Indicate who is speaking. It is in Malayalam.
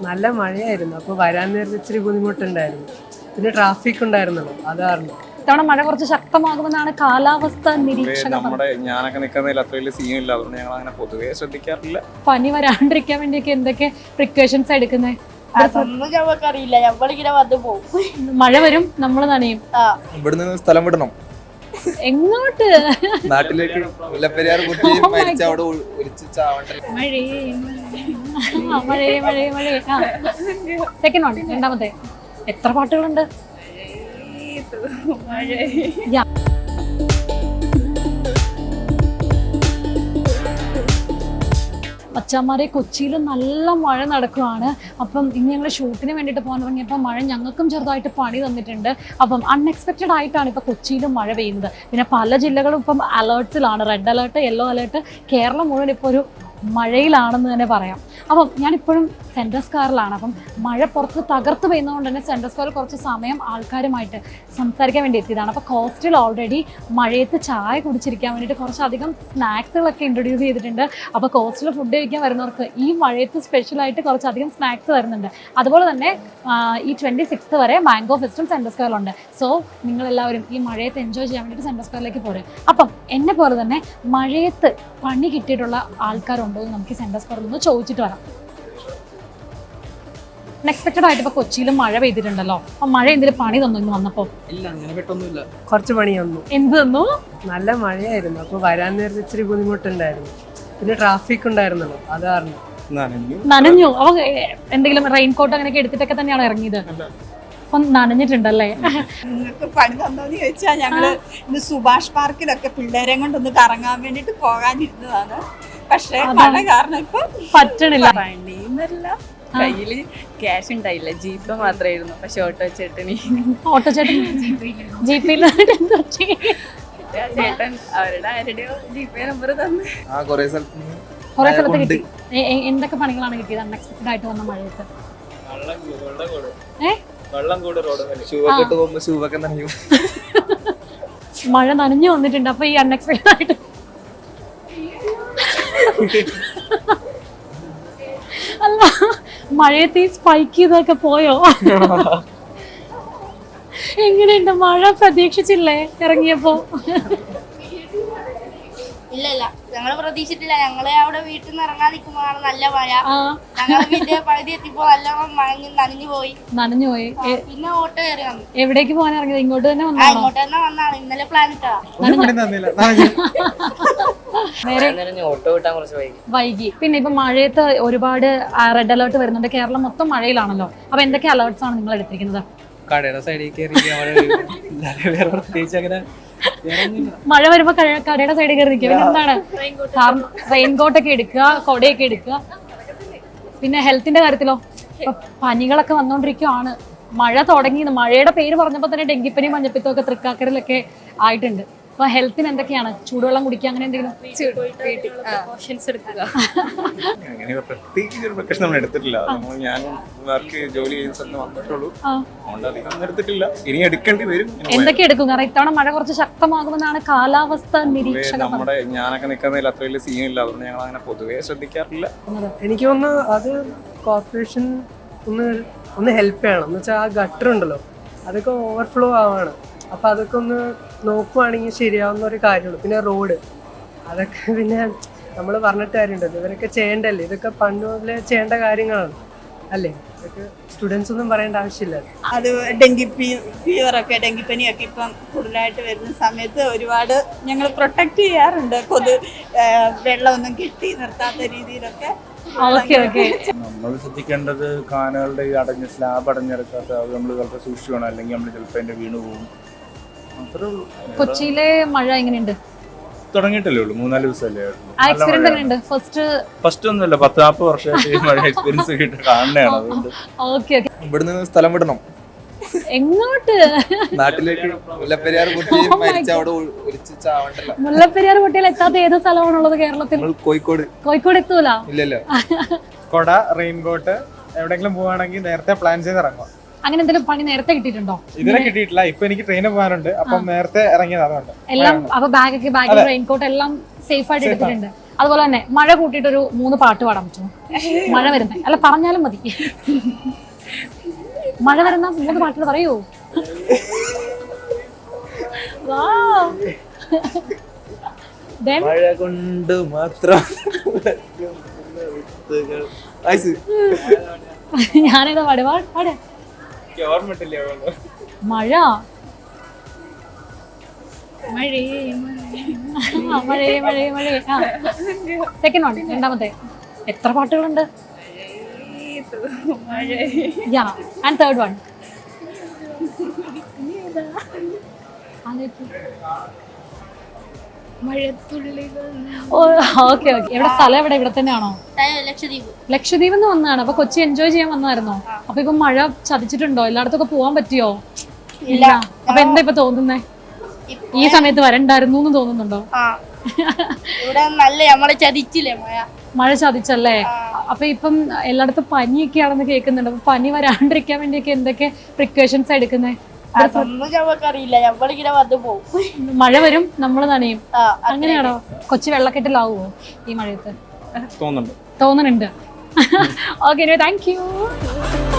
Speaker 1: നല്ല മഴയായിരുന്നു. അപ്പോൾ വരാൻ നേരത്തെ ഇച്ചിരി ബുദ്ധിമുട്ടുണ്ടായിരുന്നു. പിന്നെ ട്രാഫിക് ഉണ്ടായിരുന്നല്ലോ, അത് കാരണം.
Speaker 2: ഇത്തവണ മഴ കുറച്ച് ശക്തമാകുമെന്നാണ് കാലാവസ്ഥ നിരീക്ഷകർ
Speaker 3: ഞാനൊക്കെ നിൽക്കുന്നതിൽ അത്ര വലിയ സീനില്ല, അതുകൊണ്ട് ഞങ്ങൾ അങ്ങനെ പൊതുവേ ശ്രദ്ധിക്കാറില്ല.
Speaker 2: പനി വരാണ്ടിരിക്കാൻ വേണ്ടിയൊക്കെ എന്തൊക്കെ പ്രിക്കോഷൻസ് എടുക്കുന്നത്?
Speaker 4: അറിയില്ല, നമ്മളിങ്ങനെ വന്നു പോകും.
Speaker 2: മഴ വരും, നമ്മൾ നനയും.
Speaker 3: ഇവിടുന്ന് സ്ഥലം വിടണം.
Speaker 2: എങ്ങോട്ട്?
Speaker 3: നാട്ടിലേക്ക്. മുല്ലപ്പെരിയാർ മരിച്ച അവിടെ ഒലിച്ച് ചാവണ്ടേ.
Speaker 2: മഴയെ മഴയെ മഴയെ. സെക്കൻഡ് വൺ, രണ്ടാമത്തെ. എത്ര പാട്ടുകളുണ്ട്? മച്ചാന്മാരെ, കൊച്ചിയിൽ നല്ല മഴ നടക്കുകയാണ്. അപ്പം ഇന്ന് ഞങ്ങൾ ഷൂട്ടിന് വേണ്ടിയിട്ട് പോകാൻ തുടങ്ങിയപ്പോൾ മഴ ഞങ്ങൾക്കും ചെറുതായിട്ട് പണി തന്നിട്ടുണ്ട്. അപ്പം അൺഎക്സ്പെക്റ്റഡ് ആയിട്ടാണ് ഇപ്പോൾ കൊച്ചിയിലും മഴ പെയ്യുന്നത്. പിന്നെ പല ജില്ലകളും ഇപ്പം അലേർട്സിലാണ്, red alert, yellow alert. Kerala മുഴുവൻ ഇപ്പോൾ ഒരു മഴയിലാണെന്ന് തന്നെ പറയാം. അപ്പം ഞാനിപ്പോഴും സെൻട്രൽ സ്ക്വയറിലാണ്. അപ്പം മഴ പുറത്ത് തകർത്ത് പെയ്യുന്നതുകൊണ്ട് തന്നെ സെൻട്രൽ സ്ക്വയറിൽ കുറച്ച് സമയം ആൾക്കാരുമായിട്ട് സംസാരിക്കാൻ വേണ്ടി എത്തിയതാണ്. അപ്പോൾ കോസ്റ്റിൽ ഓൾറെഡി മഴയത്ത് ചായ കുടിച്ചിരിക്കാൻ വേണ്ടിയിട്ട് കുറച്ചധികം സ്നാക്സുകളൊക്കെ ഇൻട്രൊഡ്യൂസ് ചെയ്തിട്ടുണ്ട്. അപ്പോൾ കോസ്റ്റിൽ ഫുഡ് കഴിക്കാൻ വരുന്നവർക്ക് ഈ മഴയത്ത് സ്പെഷ്യലായിട്ട് കുറച്ചധികം സ്നാക്സ് വരുന്നുണ്ട്. അതുപോലെ തന്നെ ഈ 26th വരെ മാംഗോ ഫെസ്റ്റും സെൻട്രൽ സ്ക്വയറിലുണ്ട്. സോ നിങ്ങളെല്ലാവരും ഈ മഴയത്ത് എൻജോയ് ചെയ്യാൻ വേണ്ടിയിട്ട് സെൻട്രൽ സ്ക്വയറിലേക്ക് പോരും. അപ്പം എന്നെ പോലെ തന്നെ മഴയത്ത് പണി കിട്ടിയിട്ടുള്ള ആൾക്കാരുണ്ടോ എന്ന് നമുക്ക് സെൻട്രൽ സ്ക്വയറിൽ നിന്ന് ചോദിച്ചിട്ട് വരാം. അൺഎക്സ്പെക്റ്റഡ് ആയിട്ട് ഇപ്പോൾ കൊച്ചിയിലും മഴ പെയ്തിട്ടുണ്ടല്ലോ. അപ്പം മഴ എന്തെങ്കിലും പണി തന്നു ഇന്ന് വന്നപ്പോൾ?
Speaker 1: ഇല്ല, അങ്ങനെ പെട്ടൊന്നുമില്ല. കുറച്ച് പണി തന്നു.
Speaker 2: എന്ത് തന്നു?
Speaker 1: നല്ല മഴയായിരുന്നു. അപ്പോൾ വരാൻ നേരത്തെ ഇച്ചിരി ബുദ്ധിമുട്ടുണ്ടായിരുന്നു. പിന്നെ ട്രാഫിക് ഉണ്ടായിരുന്നല്ലോ, അത് കാരണം.
Speaker 2: നനഞ്ഞു? അപ്പോൾ എന്തെങ്കിലും റെയിൻകോട്ട് അങ്ങനെയൊക്കെ എടുത്തിട്ടൊക്കെ തന്നെയാണ് ഇറങ്ങിയത്? അപ്പം നനഞ്ഞിട്ടുണ്ടല്ലേ?
Speaker 4: നിങ്ങൾക്ക് പണി തന്നോന്ന് ചോദിച്ചാൽ ഞങ്ങള് ഇന്ന് സുഭാഷ് പാർക്കിലൊക്കെ പിള്ളേരെ കൊണ്ടൊന്ന് കറങ്ങാൻ വേണ്ടിട്ട് പോകാനിരുന്നതാണ്. പക്ഷെ മഴ കാരണം ഇപ്പൊ
Speaker 2: പറ്റണില്ല.
Speaker 5: പണിന്നല്ല, കയ്യില് ക്യാഷ് ഉണ്ടായില്ല, ജീപ്പ് മാത്രമായിരുന്നു. പക്ഷെ ഓട്ടോ ചേട്ടൻ
Speaker 2: ജീപ്പിൽ
Speaker 5: ചേട്ടൻ അവരുടെ ആരുടെയോ ജീപ്പേ നമ്പർ തന്നു.
Speaker 2: കുറെ സ്ഥലത്ത് കിട്ടി. എന്തൊക്കെ പണികളാണ് കിട്ടിയത് അൺഎക്സ്പെക്റ്റഡ് ആയിട്ട് വന്ന മഴയത്ത്? മഴ നനഞ്ഞു വന്നിട്ടുണ്ട്. അപ്പൊ ഈ അൺഎക്സ്പെക്റ്റഡ് ആയിട്ട് അല്ല, മഴയത്ത് ഈ സ്പൈക്ക് ചെയ്തൊക്കെ പോയോ? എങ്ങനെയുണ്ട്? മഴ പ്രതീക്ഷിച്ചില്ലേ ഇറങ്ങിയപ്പോ?
Speaker 4: ഇല്ലല്ല, ഞങ്ങള് പ്രതീക്ഷിച്ചിട്ടില്ല. ഞങ്ങള് അവിടെ വീട്ടിൽ നിന്ന് ഇറങ്ങാൻ നിൽക്കുമ്പോഴാണ് നല്ല മഴ. ഞങ്ങള് വീട്ടിൽ പകുതി എത്തിയപ്പോ നല്ലോണം നനഞ്ഞു പോയി.
Speaker 5: പിന്നെ ഓട്ടോ കയറി വന്നു.
Speaker 2: എവിടേക്ക് പോകാൻ ഇറങ്ങിയത്? ഇങ്ങോട്ട് തന്നെ
Speaker 4: ഇങ്ങോട്ട് തന്നെ വന്നാണ്. ഇന്നലെ പ്ലാൻ ഇട്ടാ.
Speaker 5: ഓട്ടോ കിട്ടാൻ കുറച്ച്
Speaker 2: വൈകി. പിന്നെ ഇപ്പൊ മഴയത്ത് ഒരുപാട് റെഡ് അലേർട്ട് വരുന്നുണ്ട്. കേരളം മൊത്തം മഴയിലാണല്ലോ. അപ്പൊ എന്തൊക്കെ അലേർട്ട്സ് ആണ് നിങ്ങൾ എടുത്തിരിക്കുന്നത്?
Speaker 6: കടയുടെ സൈഡിൽ പ്രത്യേകിച്ച് അങ്ങനെ
Speaker 2: മഴ വരുമ്പോ കടയുടെ സൈഡിൽ കയറി നിൽക്കുക. എന്താണ്? റെയിൻകോട്ട് ഒക്കെ എടുക്കുക, കൊടയൊക്കെ എടുക്കുക. പിന്നെ ഹെൽത്തിന്റെ കാര്യത്തിലോ? ഇപ്പൊ പനികളൊക്കെ വന്നോണ്ടിരിക്കുവാണ്. മഴ തുടങ്ങി. മഴയുടെ പേര് പറഞ്ഞപ്പോ തന്നെ ഡെങ്കിപ്പനി, മഞ്ഞപ്പിത്തം ഒക്കെ തൃക്കാക്കരയിലൊക്കെ ആയിട്ടുണ്ട്. അപ്പൊ ഹെൽത്തിന് എന്തൊക്കെയാണ്? ചൂടുവെള്ളം കുടിക്കുക, അങ്ങനെ എന്തെങ്കിലും
Speaker 3: അങ്ങനെ പ്രത്യേകിച്ച് ഒരു പ്രശ്നം നമ്മൾ എടുത്തിട്ടില്ല. ഞാൻ വർക്ക് ജോലി ചെയ്യുന്ന സ്ഥലത്ത് വന്നിട്ടുള്ളൂ, അതുകൊണ്ട് അധികം എടുത്തിട്ടില്ല. ഇനി എടുക്കേണ്ടി വരും.
Speaker 2: എന്തൊക്കെ എടുക്കും? കാരണം ഇത്തവണ മഴ കുറച്ച് ശക്തമാകുമെന്നാണ് കാലാവസ്ഥ നിരീക്ഷകർ.
Speaker 3: ഞാനൊക്കെ നിൽക്കുന്നതിൽ അത്ര വലിയ സീനില്ല, അതുകൊണ്ട് ഞങ്ങൾ അങ്ങനെ പൊതുവേ ശ്രദ്ധിക്കാറില്ല.
Speaker 1: എനിക്ക് തോന്നുന്നു അത് കോർപ്പറേഷൻ ഒന്ന് ഹെൽപ്പ് ചെയ്യണം. എന്ന് വെച്ചാൽ ആ ഗട്ടർ ഉണ്ടല്ലോ, അതൊക്കെ ഓവർഫ്ലോ ആവാണ്. അപ്പം അതൊക്കെ ഒന്ന് നോക്കുവാണെങ്കിൽ ശരിയാവുന്ന ഒരു കാര്യമുള്ളൂ. പിന്നെ റോഡ്, അതൊക്കെ പിന്നെ നമ്മൾ പറഞ്ഞിട്ട് കാര്യമുണ്ടല്ലോ, ഇവരൊക്കെ ചെയ്യേണ്ടല്ലേ. ഇതൊക്കെ പണ്ട് മുതലേ ചെയ്യേണ്ട കാര്യങ്ങളാണ് അല്ലേ? ഇതൊക്കെ സ്റ്റുഡൻസ് ഒന്നും പറയേണ്ട ആവശ്യമില്ല.
Speaker 4: അത് ഡെങ്കിപ്പനിയൊക്കെ ഇപ്പം കൂടുതലായിട്ട് വരുന്ന സമയത്ത് ഒരുപാട് ഞങ്ങൾ പ്രൊട്ടക്ട് ചെയ്യാറുണ്ട്. വെള്ളമൊന്നും കെട്ടി നിർത്താത്ത രീതിയിലൊക്കെ.
Speaker 7: നമ്മൾ ശ്രദ്ധിക്കേണ്ടത് കാനകളുടെ അടഞ്ഞ സ്ലാബ് അടഞ്ഞിറക്കാത്ത അത് നമ്മൾ ചിലപ്പോൾ സൂക്ഷിച്ചു വേണം, അല്ലെങ്കിൽ നമ്മൾ ചിലപ്പോൾ അതിന്റെ വീണ് പോകും. അത്രേ ഉള്ളൂ.
Speaker 2: കൊച്ചിയിലെ മഴ എങ്ങനെയുണ്ട്?
Speaker 7: തുടങ്ങിയിട്ടല്ലേ ഉള്ളൂ, 4 ദിവസമല്ലേ. ഫസ്റ്റ് ഒന്നുമല്ല, 10-40 വർഷമായിട്ട് മഴ എക്സ്പീരിയൻസ് കിട്ടി കാണുന്നതാണ്. അതുകൊണ്ട്
Speaker 3: ഇവിടുന്ന് സ്ഥലം വിടണം.
Speaker 2: എങ്ങോട്ട്?
Speaker 3: നാട്ടിലേക്ക്. മുല്ലപ്പെരിയാർ മരിച്ച അവിടെ ഒലിച്ച് ചാവണ്ടല്ലോ.
Speaker 2: മുല്ലപ്പെരിയാർ കുട്ടികൾ എത്താത്ത ഏത് സ്ഥലമാണുള്ളത് കേരളത്തിൽ? കോഴിക്കോട് എത്തൂല.
Speaker 3: ഇല്ലല്ലോ.
Speaker 6: കൊട, റെയിൻകോട്ട്, എവിടെയെങ്കിലും പോവാണെങ്കിൽ നേരത്തെ പ്ലാൻ ചെയ്ത് ഇറങ്ങുക.
Speaker 2: അങ്ങനെ എന്തെങ്കിലും പണി നേരത്തെ കിട്ടിയിട്ടുണ്ടോ?
Speaker 6: ഇതുവരെ കിട്ടിയിട്ടില്ല. ഇപ്പൊ എനിക്ക് ട്രെയിനിൽ പോകാനുണ്ട്, അപ്പം നേരത്തെ ഇറങ്ങിയത് അതുകൊണ്ട്.
Speaker 2: എല്ലാം അപ്പൊ ബാഗ് റെയിൻകോട്ട് എല്ലാം സേഫ് ആയിട്ട് എടുത്തിട്ടുണ്ട്. അതുപോലെ തന്നെ മഴ കൂട്ടിയിട്ട് ഒരു 3 പാട്ട് പാടാൻ പറ്റുമോ? മഴ വരുന്ന അല്ല പറഞ്ഞാലും മതി. മഴ വരുന്ന 3 പാട്ടുകൾ പറയൂ.
Speaker 7: മഴ കൊണ്ട് മാത്രം
Speaker 2: ഞാനേതാ പാട് പാട്.
Speaker 6: ഓർമ്മട്ടില്ലേ
Speaker 2: മഴ മഴേ മഴേ മഴേ. സെക്കൻഡ് വൺ, രണ്ടാമത്തെ. എത്ര പാട്ടുകളുണ്ട്? Yeah and third one. Okay okay. എവിടെ സ്ഥലം? എവിടെ? ഇവിടെ തന്നെയാണോ? ലക്ഷദ്വീപ് എന്ന് വന്നതാണ്. അപ്പൊ കൊച്ചി എൻജോയ് ചെയ്യാൻ വന്നായിരുന്നോ? അപ്പൊ ഇപ്പൊ മഴ ചതിച്ചിട്ടുണ്ടോ? എല്ലായിടത്തൊക്കെ പോവാൻ പറ്റിയോ? ഇല്ല. അപ്പൊ എന്താ ഇപ്പൊ തോന്നുന്നേ? ഈ സമയത്ത് വരണ്ടായിരുന്നു എന്ന് തോന്നുന്നുണ്ടോ?
Speaker 8: ഇവിടെ നല്ല നമ്മളെ ചതിച്ചില്ലേ
Speaker 2: മഴ ചതിച്ചല്ലേ? അപ്പൊ ഇപ്പം എല്ലായിടത്തും പനിയൊക്കെയാണെന്ന് കേൾക്കുന്നുണ്ട്. അപ്പൊ പനി വരാണ്ടിരിക്കാൻ വേണ്ടിയൊക്കെ എന്തൊക്കെ പ്രിക്കോഷൻസ് എടുക്കുന്നേ?
Speaker 8: അറിയില്ല, നമ്മളിങ്ങനെ വന്നു പോകും.
Speaker 2: മഴ വരും, നമ്മൾ നനയും. അങ്ങനെയാണോ? കൊച്ചി വെള്ളക്കെട്ടിലാവുമോ ഈ മഴയത്ത്?
Speaker 3: തോന്നുന്നുണ്ട്.
Speaker 2: തോന്നുന്നുണ്ട്. Okay, thank U.